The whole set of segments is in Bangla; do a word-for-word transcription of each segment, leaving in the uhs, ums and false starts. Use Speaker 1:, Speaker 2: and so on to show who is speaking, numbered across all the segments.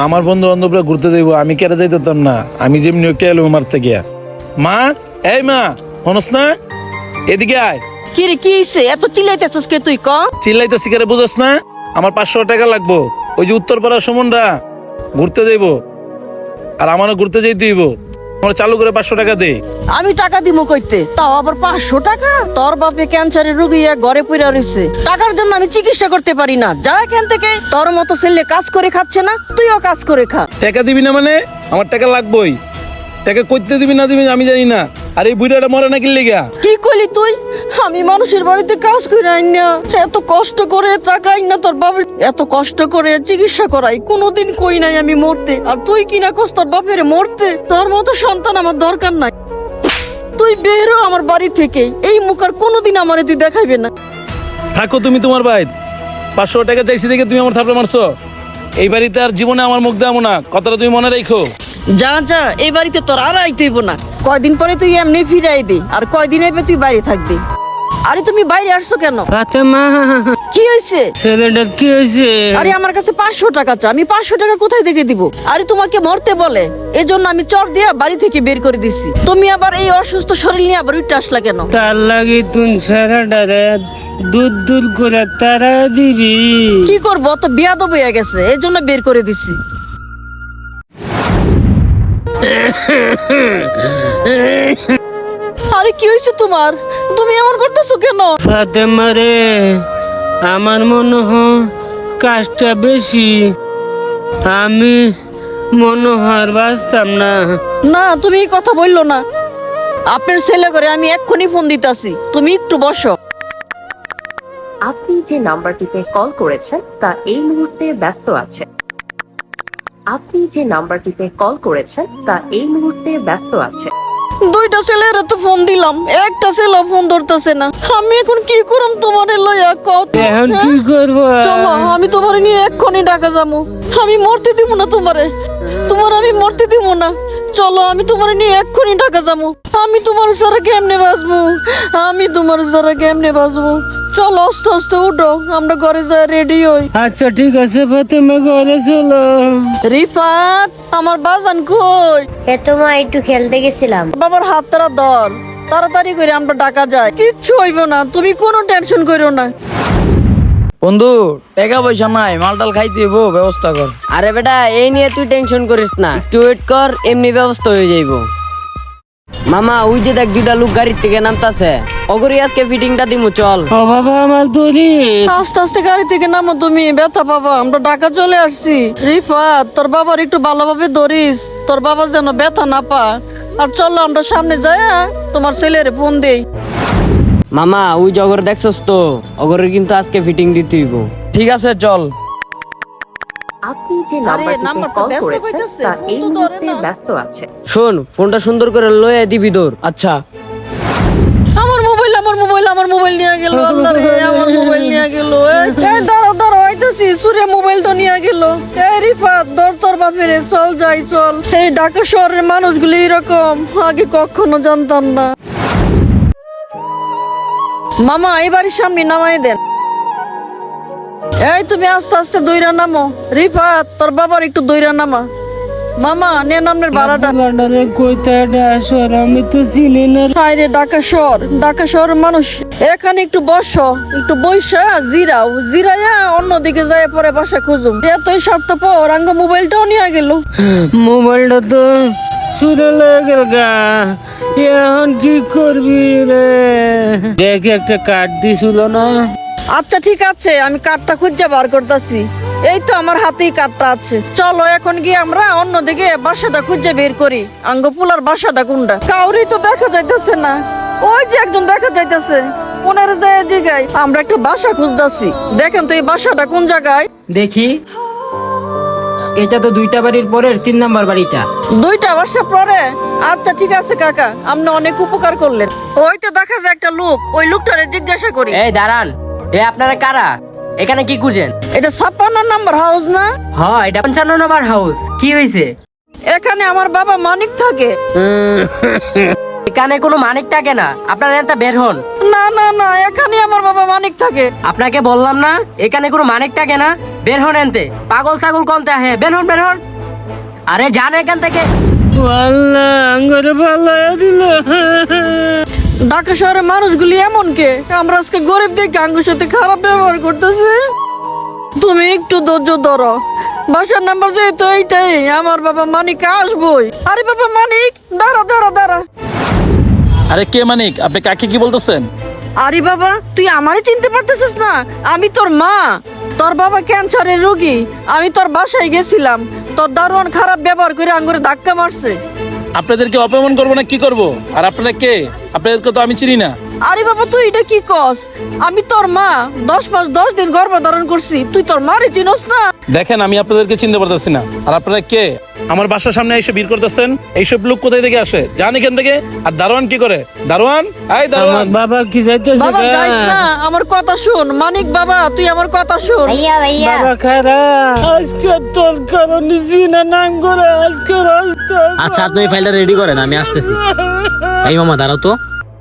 Speaker 1: আমার বন্ধু বান্ধবরা ঘুরতে দেব, আমি কেটে যাইতাম না। আমি যেমনি একটা এলো মারতে গিয়া। মা, এই মা, হনস না? এদিকে আয়।
Speaker 2: কি রে, কি হইছে? এত চিল্লাইতেছস কে তুই? ক
Speaker 1: চিল্লাইতেছি কেন বুঝস না? আমার পাঁচশো টাকা লাগবো। ওই যে উত্তরপাড়ার সুমনরা ঘুরতে দেব, আর আমারও ঘুরতে যেতে দিব। আমার চালু করে পাঁচশো টাকা দে।
Speaker 2: আমি টাকা দিমু কইতে, তাও আবার পাঁচশো টাকা? তোর বাপে ক্যান্সারের রোগী এক ঘরে পইরা রইছে, টাকার জন্য আমি চিকিৎসা করতে পারি না। যা এখান থেকে। তোর মতো ছেলে কাজ করে খাচ্ছে না, তুইও কাজ করে খা।
Speaker 1: টাকা দিবি না মানে? আমার টাকা লাগবেই। টাকা কইতে দিবি না দিবি আমি জানি না। আর এই বুড়াটা মরে না কিনলে গা?
Speaker 2: কি কইলি তুই? আমি মানুষের বাড়িতে কাজ করে আইন না, এত কষ্ট করে টাকা আইন না তোর বাবার, এত কষ্ট করে চিকিৎসা করাই। কোনোদিন কই নাই আমি মরতে, আর তুই কিনা কস তোর বাপের মরতে। তোর মতো সন্তান আমার দরকার নাই। তুই বেরো আমার বাড়ি থেকে। এই মুখ আর কোনোদিন আমারে তুই দেখাইবে না।
Speaker 1: থাকো তুমি তোমার ভাই। পাঁচশো টাকা চাইছি দেখে তুমি আমার থাপড়ে মারছো। এই বাড়িতে আর জীবনে আমার মুখ দেবো না, কথাটা তুমি মনে রাখো।
Speaker 2: যা যা, এই বাড়িতে তোর আর আইতে হইব না। কয়দিন পরে তুই এমনি ফিরে আইবি, আর কয়দিন আইবে তুই বাইরে থাকবি। আরে তুমি বাইরে আসছো কেন?
Speaker 3: ফাতেমা,
Speaker 2: কি হয়েছে?
Speaker 3: ছেলেটার কি হয়েছে?
Speaker 2: আরে আমার কাছে পাঁচশো টাকা চা, আমি পাঁচশো টাকা কোথায় থেকে দিব? আরে তোমাকে মরতে বলে, এজন্য আমি চর দিয়া বাড়ি থেকে বের করে দিছি। তুমি আবার এই অসুস্থ শরীর নিয়ে আবার উঠে আসলা কেন?
Speaker 3: তার লাগি তুই ছেলেটারে দুধ দুধ করে তারা দিবি?
Speaker 2: কি করবো, তো বিয়াদব হয়ে গেছে, এজন্য বের করে দিছি। আরে কি হয়েছে তোমার? তুমি এমন করতেছো কেন?
Speaker 3: ফাতেমা রে, আমার মনে হয় কাজটা বেশি। আমি মনে হয় বাঁচতাম না।
Speaker 2: না, তুমি এই কথা বললো না। আপনার ছেলে করে আমি এক্ষুনি ফোন দিতাছি, তুমি একটু বসো।
Speaker 4: আপনি যে নাম্বারটিতে কল করেছেন তা এই মুহূর্তে ব্যস্ত আছে। আপনি যে নাম্বারটিতে কল করেছেন তা এই মুহূর্তে ব্যস্ত আছে।
Speaker 2: দুইটা ছেলের তো ফোন দিলাম, একটা ছেলে ফোন ধরতেছে না। আমি এখন কি করব তোমারে লইয়া কত?
Speaker 3: এখন কি করবো?
Speaker 2: চলো, আমি তোমারে নিয়ে এক্ষুনি ঢাকা যাবো। আমি মরতে দিব না তোমারে, তোমার আমি মরতে দিব না। চলো, আমি তোমারে নিয়ে এক্ষুনি ঢাকা যাবো। আমি তোমার সারা কেমনে বাঁচবো? আমি তোমার সারা কেমনে বাঁচবো? চলো, আস্তে আস্তে উঠো, আমরা ঘরে যাই, রেডি হই।
Speaker 3: আচ্ছা ঠিক আছে ফাতেমা, ঘরে চলো।
Speaker 2: রিফাত, আমার বাজান কই?
Speaker 5: এ তো মা একটু খেলতে গেছিলাম।
Speaker 2: বাবার হাত তারা দল, তাড়াতাড়ি করে আমরা ঢাকা যাই। কিচ্ছু হইব না, তুমি কোনো টেনশন করো না।
Speaker 6: বন্ধু, টাকা পয়সা নাই, মালটাল খাইতে হইব, ব্যবস্থা কর।
Speaker 7: আরে বেটা, এই নিয়ে তুই টেনশন করিস না, একটু ওয়েট কর, এমনি ব্যবস্থা হয়ে যাইব। মামা, ওই যে দেখ দুইটা লোক গাড়ির থেকে নামতাছে, অগরি আজকে ফিটিংটা দিমু, চল।
Speaker 3: ও বাবা, আমার দড়ি।
Speaker 2: আস্তে আস্তে গাড়ি থেকে নামো, তুমি ব্যথা পাবা। আমরা ঢাকা চলে আসছি। রিফাত, তোর বাবার একটু ভালোভাবে ধরিস, তোর বাবা যেন ব্যথা না পা। আর চলো, আমরা সামনে যাই, তোমার ছেলের ফোন দেই।
Speaker 7: মামা, ওই যে অগর দেখছস তো, অগরের কিন্তু আজকে ফিটিং দিতে হইব।
Speaker 6: ঠিক আছে, চল।
Speaker 4: আপনি যে
Speaker 2: আরে,
Speaker 4: নাম্বারটিতে
Speaker 2: নাম্বারটা
Speaker 4: কল
Speaker 2: ব্যস্ত
Speaker 4: করেছেন
Speaker 2: কইতাছে,
Speaker 4: তা
Speaker 2: ফোন
Speaker 4: এই
Speaker 2: তো ধরে
Speaker 4: মুহূর্তে
Speaker 2: না।
Speaker 4: ব্যস্ত আছে।
Speaker 7: শোন, ফোনটা সুন্দর করে লয়ে দিবি তোর।
Speaker 6: আচ্ছা।
Speaker 2: আমার মোবাইল, আমার মোবাইল, আমার মোবাইল নিয়ে গেল। আল্লাহ রে, আমার মোবাইল নিয়ে গেল। এই দাঁড়াও দাঁড়াও, আইতাছি। সুরে মোবাইলটা নিয়ে গেল। এই রিফাত, ধর তোর বাপেরে, চল যাই চল। এই ঢাকা শহরের মানুষগুলো এরকম, আগে কখনো জানতাম না। মামা, এই বাড়ির সামনে নামাই দেন। এই তুমি আস্তে আস্তে দইরা নামো। রিফাত, তোর বাবার একটু দইরা নামা। মামা, নেন আপনার ভাড়াটা।
Speaker 3: বান্ডারে কইতাটা আসর, আমি তো চিনি না।
Speaker 2: হায় রে, ঢাকা শহর, ঢাকা শহরের মানুষ। এখানে একটু বসো, একটু বইসা জিরাও, জিরাইয়া অন্যদিকে যায় পরে বাসা খুঁজুম। এতই স্বার্থপর, আঙ্গ মোবাইলটাও নিয়ে গেল।
Speaker 3: মোবাইলটা তো চুরে লয়ে গেল গা, এখন কি করবি রে? দেখ, একটা কার্ড দিছিল না?
Speaker 2: আচ্ছা ঠিক আছে, আমি কার্ডটা খুঁজে বার করতেছি। এই তো আমার হাতেই কার্ডটা আছে। চলো এখন গিয়ে আমরা অন্যদিকে বাসাটা খুঁজে বের করি। আঙ্গ পুলার বাসাটা কোনটা? কাউরি তো দেখা যাইতেছে না। ওই যে একজন দেখা যাইতেছে, ওনার যায় জায়গায় আমরা একটা বাসা খুঁজতেছি। দেখেন তো এই বাসাটা কোন জায়গায়।
Speaker 8: দেখি, এটা তো দুইটা বাড়ির পরের তিন নাম্বার বাড়িটা।
Speaker 2: দুইটা বাসা পরে? আচ্ছা ঠিক আছে কাকা, আপনি অনেক উপকার করলেন। ওই তো দেখা যায় একটা লোক, ওই লোকটারে জিজ্ঞাসা করি।
Speaker 7: এই দাঁড়ান, এ আপনারা কারা? এখানে কি খুঁজেন?
Speaker 2: এটা ছাপ্পান্ন নাম্বার হাউস না?
Speaker 7: হ্যাঁ, এটা পঞ্চান্ন নম্বর হাউস। কি হয়েছে?
Speaker 2: এখানে আমার বাবা মানিক থাকে।
Speaker 7: এখানে কোনো মানিক থাকে না, আপনারা এটা বের হন।
Speaker 2: না না না, এখানে আমার বাবা মানিক থাকে।
Speaker 7: আপনাকে বললাম না, এখানে কোনো মানিক থাকে না, বের হন এনতে। পাগল ছাগল কমতে আহে, বের হন বের হন। আরে জান এখান থেকে।
Speaker 3: আল্লাহ আঙ্গরে পাল্লাইয়া দিল।
Speaker 2: ঢাকা শহরের মানুষগুলি এমন কে, আমরা আজকে গরিব দেখে আঙ্গুর সাথে খারাপ ব্যবহার করতেছে। তুমি একটু ধৈর্য ধরো, বাসার নাম্বার যেহেতু এইটাই, আমার বাবা মানিক আসবই। আরে বাবা মানিক, দাঁড়া দাঁড়া দাঁড়া।
Speaker 1: আরে কে মানিক? আপনি কাকে কি বলতেছেন?
Speaker 2: আরে বাবা, তুই আমারে চিনতে পারতেছিস না? আমি তোর মা। তোর বাবা ক্যান্সারের রোগী। আমি তোর বাসায় গেছিলাম, তোর দারোয়ান খারাপ ব্যবহার করে আঙ্গুরে ধাক্কা মারছে।
Speaker 1: আপনাদেরকে অপমান করবো না কি করব? আর আপনারা কে? আপনাদেরকে তো আমি চিনি না।
Speaker 2: আরে বাবা, তুই এটা কি কস? আমি তোর মা, দশ মাস দশ দিন গর্ভধারণ করছি, তুই তোর মারে চিনস না?
Speaker 1: দেখেন, আমি আপনাদেরকে চিনতে পারতেছি না। আর আপনারা কে? আমার বাসার সামনে এসে ভিড় করতেছেন। এইসব লোক কোথায় থেকে আসে? যান এখান থেকে। আর দারোয়ান কি করে? দারোয়ান, এই দারোয়ান।
Speaker 3: আমার বাবা কি যাইতেছে?
Speaker 2: বাবা যাইস না, আমার কথা শুন। মানিক বাবা, তুই আমার কথা শুন।
Speaker 5: ভাইয়া ভাইয়া
Speaker 3: বাবা খারাপ, আজকে তোর কারণে জিনা নাম করে আজকে রাস্তা।
Speaker 9: আচ্ছা, আপনি এই ফাইলটা রেডি করেন, আমি আসতেছি। এই মামা দাঁড়াও তো।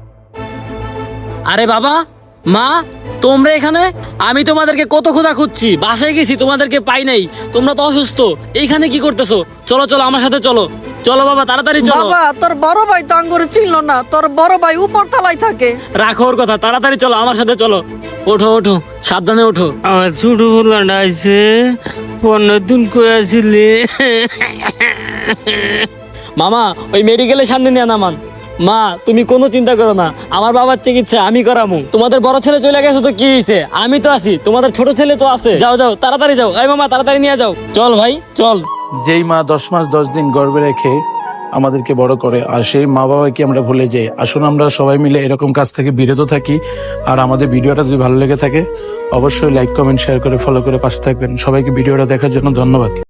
Speaker 9: আরে বাবা, মা, তোমরা এখানে? আমি তোমাদেরকে কত খোঁজা খুঁজছি, বাসায় গেছি, তোমাদেরকে পাই নাই। তোমরা তো অসুস্থ, এইখানে কি করতেছো? চলো চলো আমার সাথে চলো। চলো বাবা, তাড়াতাড়ি চলো।
Speaker 2: বাবা, তোর বড় ভাই তো আঙ্গুরে চিনল না। তোর বড় ভাই উপর তলায় থাকে।
Speaker 9: রাখো ওর কথা, তাড়াতাড়ি চলো আমার সাথে চলো। ওঠো ওঠো, সাবধানে ওঠো।
Speaker 3: আমার ছোট বলাটা আইছে, পনেরো দিন কই আসিলি?
Speaker 9: মামা, ওই মেডিকেলের সামনে নিয়ে নামান। মা, তুমি কোনো চিন্তা করো না, আমার বাবার চিকিৎসা আমি করামু। তোমাদের বড় ছেলে চলে গেছে তো কি হয়েছে, আমি তো আছি। তোমাদের ছোট ছেলে তো আছে। যাও যাও, তাড়াতাড়ি যাও। এই মামা, তাড়াতাড়ি নিয়ে যাও। চল ভাই চল।
Speaker 1: যেই মা দশ মাস দশ দিন গর্ভে রেখে আমাদেরকে বড় করে, আর সেই মা বাবাকে আমরা ভুলে যাই। আসুন আমরা সবাই মিলে এরকম কাজ থেকে বিরত থাকি। আর আমাদের ভিডিওটা যদি ভালো লেগে থাকে, অবশ্যই লাইক কমেন্ট শেয়ার করে ফলো করে পাশে থাকবেন। সবাইকে ভিডিওটা দেখার জন্য ধন্যবাদ।